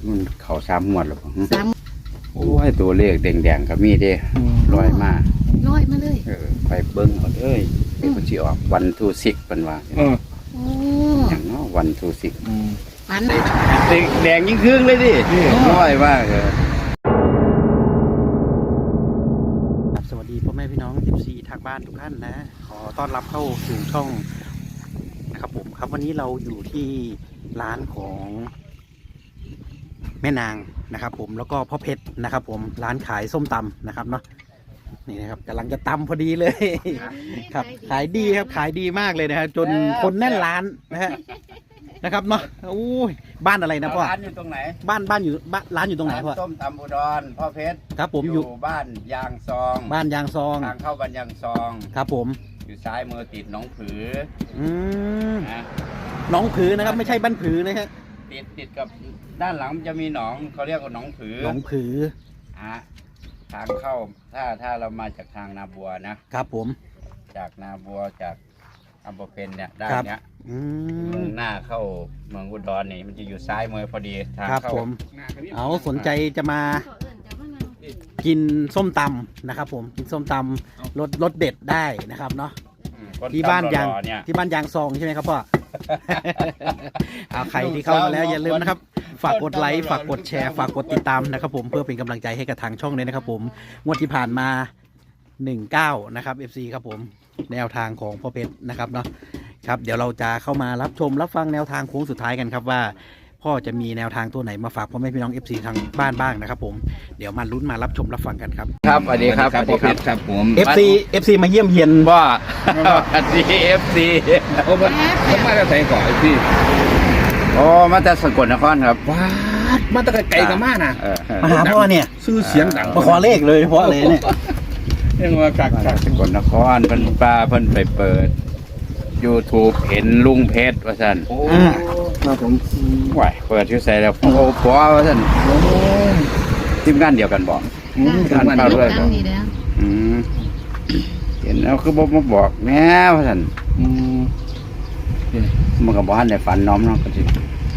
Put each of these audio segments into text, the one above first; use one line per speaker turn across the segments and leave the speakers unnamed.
มันเขา3 งวดแล้วบ่
3
โอ้ยตัวเลขแดงๆก็มีเด้ลอยมา
ลอยมาเลย
ไปเบิ่งเอาเด้ยเดี๋ยวมันสิออกวันทูซิกเพิ่นว่า
โอ้
อย่างเนาะวันทูซิก
ฝัน
แดงยิ่งครึ่งเลยดิลอยมากสวัสดีพ่อแม่พี่น้อง14ทางบ้านทุกท่านนะขอต้อนรับเข้าสู่ช่องนะครับผมครับวันนี้เราอยู่ที่ร้านของแม่นางนะครับผมแล้วก็พ่อเพชรนะครับผมร้านขายส้มตำนะครับเนาะนี่นะครับกำลังจะตำพอดีเลยครับขายดีครับขายดีมากเลยนะครับจนคนแน่นร้านนะฮะนะครับเนาะโอ้ยบ้านอะไรนะพ่อร้านอยู่ตรงไหนบ้านอยู่ร้านอยู่ตรงไหนพ่อส้มตำอุดรพ่อเพชรครับผมอยู่บ้านยางซองทางเข้าบ้านยางซองครับผมอยู่ซ้ายมือติดหนองผือหนองผือนะครับไม่ใช่บ้านผือนะฮะติดกับด้านหลังจะมีหนองเขาเรียกว่าหนองผือทางเข้าถ้าเรามาจากทางนาบัวนะครับผมจากนาบัวจากอำเภอเพนเนี่ยด้านเนี้ยมุ่งหน้าเข้าเมืองอุดรนี่มันจะอยู่ซ้ายมือพอดีทางเข้าเอาสนใจจะมากินส้มตำนะครับผมกินส้มตำรสเด็ดได้นะครับเนาะที่บ้านยางซองใช่ไหมครับพ่อ เอาใครที่เข้ามาแล้วอย่าลืมนะครับฝากกดไลค์ฝากกดแชร์ฝากกดติดตามนะครับผมเพื่อเป็นกำลังใจให้กับทางช่องเลยนะครับผมงวดที่ผ่านมา19นะครับ FC ครับผมแนวทางของพ่อเพชรนะครับเนาะครับเดี๋ยวเราจะเข้ามารับชมรับฟังแนวทางโค้งสุดท้ายกันครับว่าพ่อจะมีแนวทางตัวไหนมาฝากพ่อแม่พี่น้อง FC ทางบ้านบ้างนะครับผมเดี๋ยวมาลุ้นมารับชมรับฟังกันครับครับสวัสดีครับพ่อเพชรครับผม FC มาเยี่ยมเยียนว่าสวัสดี FC
โอ้มันมาจากไหนก่อนพี่
อ๋อมาจากสกลนครครับ
ว้ามาจากไกลกันมากนะ
มาหาพ่อเนี่ย
ซื้อเสียงดัง
มาขอเลขเลยเพราะอะไรเนี่ย
ยังมาจาก
สกลนครเพิ่นป้าเพิ่นไปเปิด YouTube เห็นลุงเพชรว่าซั่น
ครับผม
ไหวเปิดชื่อใส่แล้วโอ้ผัวว่าซั่นทีมงานเดียวกันบอก
งานเดียวกันนี่แล้ว
เห็นแล้วคือบอกมาบอกแม่ว่าซั่นมันก็บ่ทันได้ฝันน้อมเนาะก็สิ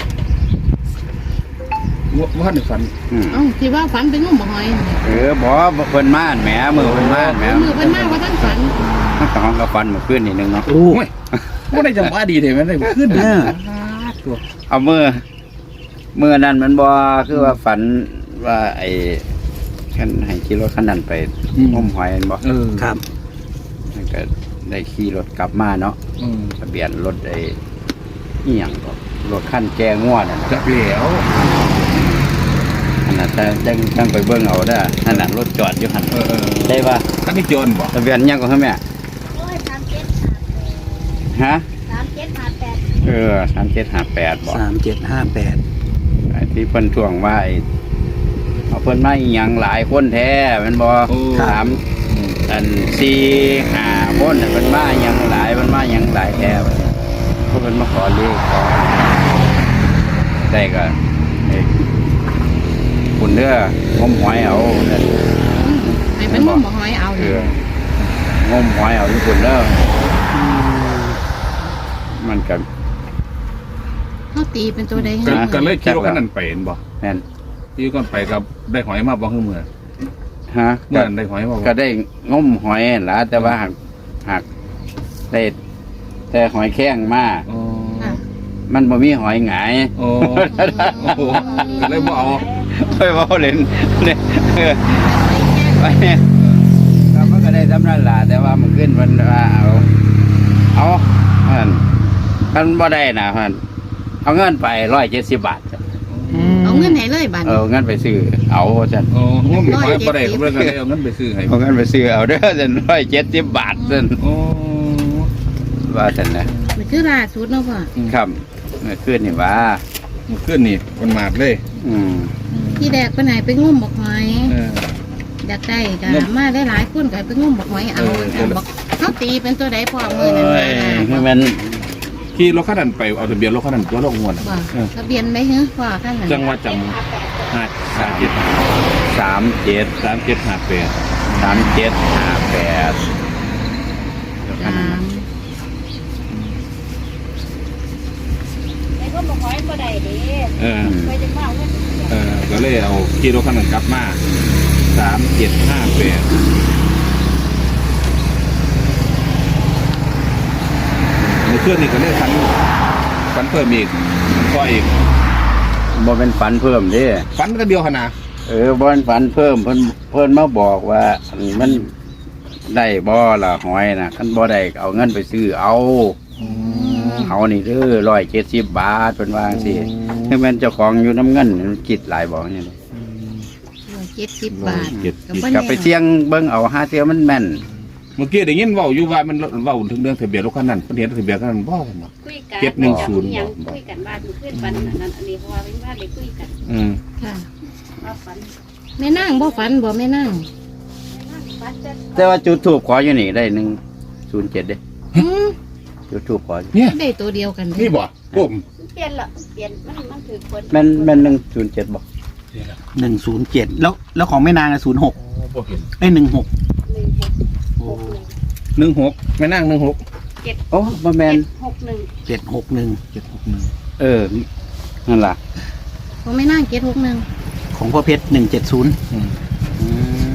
ว่าในฝัน
ที่ว่าฝันเป็นงูบ่หอย
บ่เพิ่นมาแหมมือเพิ่นมาแหม
มือเพิ่นมาว่าท่านฝัน
ก็ห้องก็ฝันเมื่อคืนนิดนึงเนาะ
โอ้ยบ่ได้จังหวะดีเด้แม่นได้ขึ้น
เอามือนั้นมันบ่คือว่าฝันว่าไอ้คันให้ขี่รถคันนั้นไปงมหอยบ่
ครับ
ก็ได้ขี่รถกลับมาเนาะทะเบียนรถไอ้อีหยังก็รถคันแกงัวนั่น
จับแล้ว
อันนั้นแต่จังไปเบิ่งเอาเด้อนั่นน่ะรถจอดอยู่หั่นได้ป่ะ
คันนี้จนบ่
ทะเบียนยังก็คือแม่
โอ้ย3758
ฮะ
3758
3758บ่
3758
ไอ้ที่เพิ่นทวงว่าไอ้เอาเพิ่นมาอีหยังหลายคนแท้แม่นบ่3 4 5คนเพิ่นมาอีหยังหลายเพิ่นมาอีหยังหลายแท้เพิ่นมาขอเลขขอได้ก็คุณเด้องมหอยเอา
ให้เป็นงมหอยเอา
งมหอยเอาที่คุณเด้อมันกับ
เขาตีเป็นตัวใด
กันเลยคิดว่าขนาดไปเห็นบ่
แม่น
ที่ก่อนไปกับได้หอยมาบ่คือเมื่อเมื่อได้หอยมา
ก็ได้งมหอยล่ะแต่ว่าหักได้แต่หอยแข้งมามันบ่มีหอยหงาย
โอ้เลยบ่เอา
ค่อยบ่เล่นเนี่ยไปแล้วมันก็ได้สำนักล่ะแต่ว่ามันขึ้นมันว่าเอามันบ่ได้นะมันเอาเงินไป170 บาท
เอาเงินไหนเลยบาท
เงินไปซื้อเอาซั่น
งมหอยบ่ได้ก็เลยเอาเงินไปซื้อให้
เอาเงินไปซื้อเอาเด้อซั่น170 บาทซั่นว่าซั่นนะ
มันคือล่าสุดเนาะพ่อ
ครับเมื่อคืนนี่ว่า
เมื่อคืนนี่มันมาดเลย
ที่แดกไปไหนไปงมบอกหอยอยากได้กันมาได้หลายคนกันไปงมบอกหอยเอาบอกเขาตีเป็นตัวใดพ่อมือนั่น
มัน
ขี่รถคันนั้นไปเอาทะเบียนรถคันนั้นตัวลงงวด
ทะเบียนไหมเหรอพ่อข้างไหน
จังหวัดจำ
ก็บอกหอยบ่ได้ดิไปจะมาเงิน
ก็เลยเอาขี่รถคันนั้นกลับมา3758ในเครื่องนี้ก็เลยฝันเพิ่มอีกก็อีก
บ่เป็นฝันเพิ่มเด้
ฝันก็เดียวขนาด
บ่เป็นฝันเพิ่มเพิ่นมาบอกว่าอันมันได้บ่ล่ะหอยน่ะคันบ่ได้เอาเงินไปซื้อเอานี่เด้อ170 บาทเพิ่นว่าจังซี่ให้แม่นเจ้าของอยู่น้ำเงินคิดหลายบ่นี่
70 บาท
กลับไปเสี่ยงเบิ่งเอาหาเทื่อมันแม่น
เมื่อกี้ได้ยินเว้าอยู่ว่ามันเว้าถึงเรื่องทะเบียนรถคันนั้นเพิ่นเห็นทะเบียนคันนั้นบ่เนาะ
คุยกัน
710
ยังคุยกันบ้านขึ้นวันนั้นอันนี้เพราะว่าเป็นบ้านเลยคุยกัน
ค่ะ
ว่าฝัน
แม่นางบ่ฝันบ่แม่นาง
ฝันจะ
แต่ว่าจุดทูบขออยู่นี่ได้107เด้
อืม
จุดทูบขออยู่
เนี่ย
ได้ตัวเดียวกัน
นี่บ่ผม
เปลี่ยนละเปลี่ยนมันถือคน
แม่น107บ่
107แล้วของแม่นาง06
บ่เห็น
ได้16
16แม่นั่ง16
โอ้บ่แม่น
761
761
นั่นล่ะ
ของแม่นาง761
ของพ่อเพชร170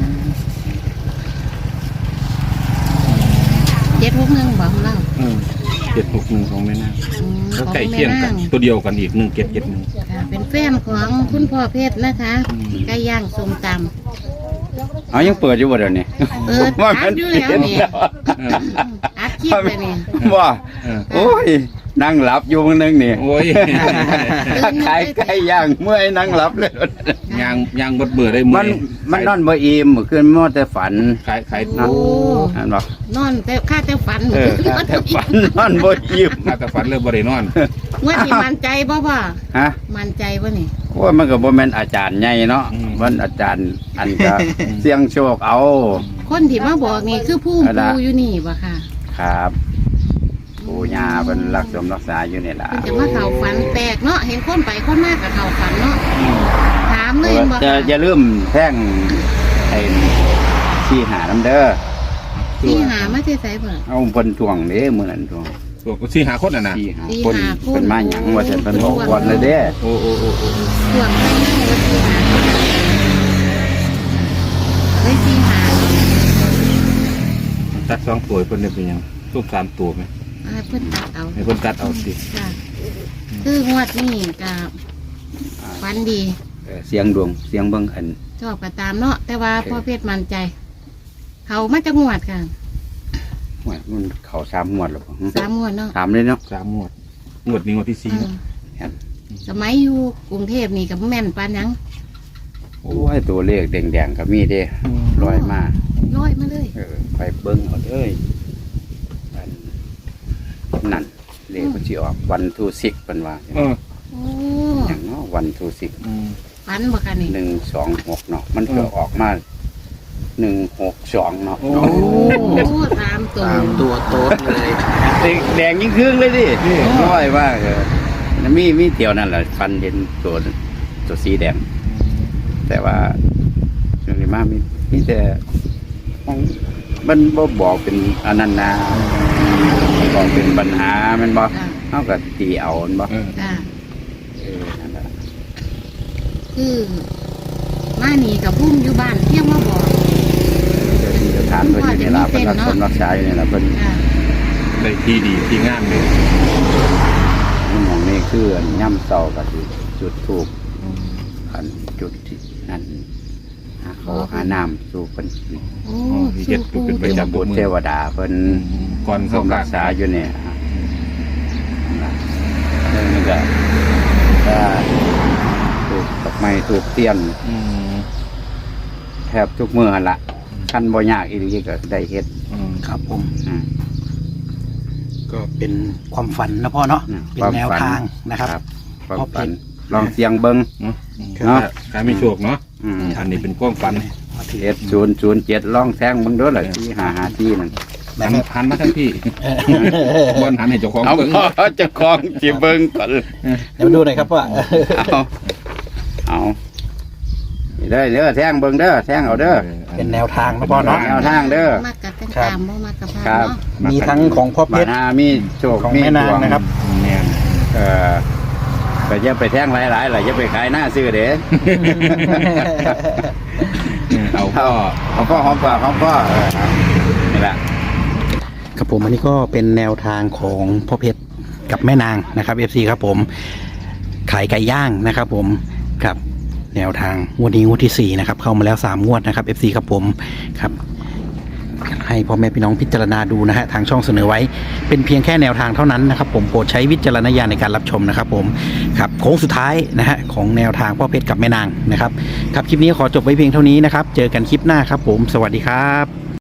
761บ่ของเรา
761ของแม่นั่ง
อืม
ก็
ของ
ใกล้
แม่
เคียงกัน
นาง
ตัวเดียวกันอีก1771
ค่ะเป็นแฟนของคุณพ่อเพชรนะคะไก่ย่างส้มตำ
เอายังเปิดอยู่บ่เดี๋ยวนี้
เปิดอัดอยู่แล้วนี่ อัดคลิปเลยนี่
ว่า
เออ
โอ้ยนั่งหลับอยู่มื้อนึงนี่
โอ้ย
ขายไก่ย่างเมื่อยนั่งหลับเลย
ยางบดเบื่อได้มื้
มันนอนบ่อิ่มเมื่อคืนมันแต่ฝัน
ขาย
โอ้
นั่นบ่
นอนแต่ข้าแต่ฝัน
แต่ฝันนอนบ่อิ่ม
ถ้าแต่ฝันเลยบ่ได้นอน
ว่าที่มั่นใจบ่พ่อ
ฮะ
มั่นใจบ่นี่
โอ้ยมันก็บ่แม่นอาจารย์ใหญ่เนาะมันอาจารย์อันก็เสี่ยงโชคเอา
คนที่มาบอกนี่คือผู้
อะไร
ปูอยู่นี่บ่ค่ะ
ครับปู่ย่าเพิ่นรักษาอยู่นี่ล่ะ
เพิ่นจะมาเข้าฝันแปลกเนาะเห็นคนไปคนมากับเข้าฝันเนาะถามเลยบ่
จะ
ค่ะ
อย่าลืมแท่งไอ้ที่หาน้ำเด้อ
ที่หามาที่ไสบ่
เอาเพิ่นทวงเด้มื้อนั้นทวง
ตัวสิหาคนน่ะนะ
ที่หา
ที่
คน
หาคน
เพิ่นมาหยังว่าซั่นเพิ่นบอกก่อนเลยเด้
โอ้
ส่วนไปนั่งว่าที่หาเลยที่หา
ตัด2ตัวเพิ่นได้เป็นหยังทุก3ตัวมั้ย
เพิ่นตัดเอา
ให้เพิ่นตัดเอาสิ
ค่ะคืองวดนี่กับฝันดี
เสียงดวงเสียงเบิ่งอัน
ชอบก็ตามเนาะแต่ว่าพ่อเพชรมั่นใจ เขามาจากงวดค่ะ
ว่ามันเข้า3งวดแล้วบ่
3งวดเนาะ
ถามเลยเนาะ
3งวดงวดนี้งวดที่4
อืมสมัยอยู่กรุงเทพนี่กับแม่นปานหยัง
โอ้ยตัวเลขแดงๆก็มีเด้ลอยมา
ร้อยมาเลย
ไปเบิ่งเอาเด้ยอันนั่นเลขมันสิออกวันทูสิกเพิ่นว่า
เออ
โอ้
หยังเนาะวันทูสิก
ฝันบ่คะนี่
126เนาะมันก็ออกมา162เนาะ
โอ้
โอ้ตามตัว
ตามตัวโต๊ดเลย
แดงยิ่งครึ่งเลยดิน้อยว่ามีเที่ยวนั่นแหละฟันเห็นตัวสีแดง แต่ว่าช่วงนี้มามีแต่มันบ่บอกเป็นอันนั้นนะบอกเป็นปัญหามันบ่
ค่ะ
เฮาก็ตีเอามันบ่
ค่ะ
นั่นแหละ
คือมานี่กับพุ่มอยู่บ้านเที่ยงมาบอก
เดี๋ยวที่สถานเพิ่นอยู่นี่ล่ะเพิ่นรักษารักษาอยู่นี่ล่ะเพิ่น
ค่ะ
ได้ที่ดีที่งามเลย
หม่องนี้คืออันย่ำเช้าก็สิจุดธูปอันจุดที่นั่นหาเขาหาน้ำสู่เพิ่น
โอ้
เฮ็ด
สู้
เป็น
ปู
ประจำ
บุตรเทวดาเพิ่น
ก่อน
ทร
เข้าง
รักษาอยู่เนี่ยเรื่องนี้ก็ถูกดอกไม้ถูกเตียนแทบทุกมื้อหั่นละขั้นบ่ยากอีหลีก็ได้เฮ็ด
ครับผม
อ่า
ก็เป็นความฝันนะพ่อเนาะ เป็นแนวทางนะครับ
ความ
พ่อ
ฝั
เพ
น
ชร
ลองเสียงเบิ่ง
เนาะการมีโชคเนาะ
อืม
อันนี้เป็นความฝัน
มาถือ
เฮ็ด007ลองแทงเบิ่งเด้อล่ะที่5ที่นั่น
หันมาทั้งพี่บนหันให้เจ้าของ
เอา
เบิ่ง
เจ้าของสิเบิ่งก่อน
เดี๋ยวมาดูหน่อยครับว่า
เอานี่เด้อแทงเบิ่งเด้อแทงเอาเด้อ
เป็นแนวทางนะพ่อเนาะ
แนวทางเด้อ
มากกับตามบ่มากกับพา
ครับ
เนาะ
มีทั้งของพ่อเพ
มา
ชร
หามีโชค
ของ
มี
แม่นาง
ดว
นะครับ
แม่น
เอ่อก็อย่าไปแท่งหลายๆล่ะอย่าไปขายหน้าซื้อเด้
เอาพ่อ
ของพ่อของพ่อของพ่อนี่แหละ
ครับผมอันนี้ก็เป็นแนวทางของพ่อเพชรกับแม่นางนะครับ FC ครับผมขายไก่ย่างนะครับผมครับแนวทางงวดนี้งวดที่4นะครับเข้ามาแล้ว3งวดนะครับ FC ครับผมครับให้พ่อแม่พี่น้องพิจารณาดูนะฮะทางช่องเสนอไว้เป็นเพียงแค่แนวทางเท่านั้นนะครับผมโปรดใช้วิจารณญาณในการรับชมนะครับผมครับโค้งสุดท้ายนะฮะของแนวทางพ่อเพชรกับแม่นางนะครับครับคลิปนี้ขอจบไว้เพียงเท่านี้นะครับเจอกันคลิปหน้าครับผมสวัสดีครับ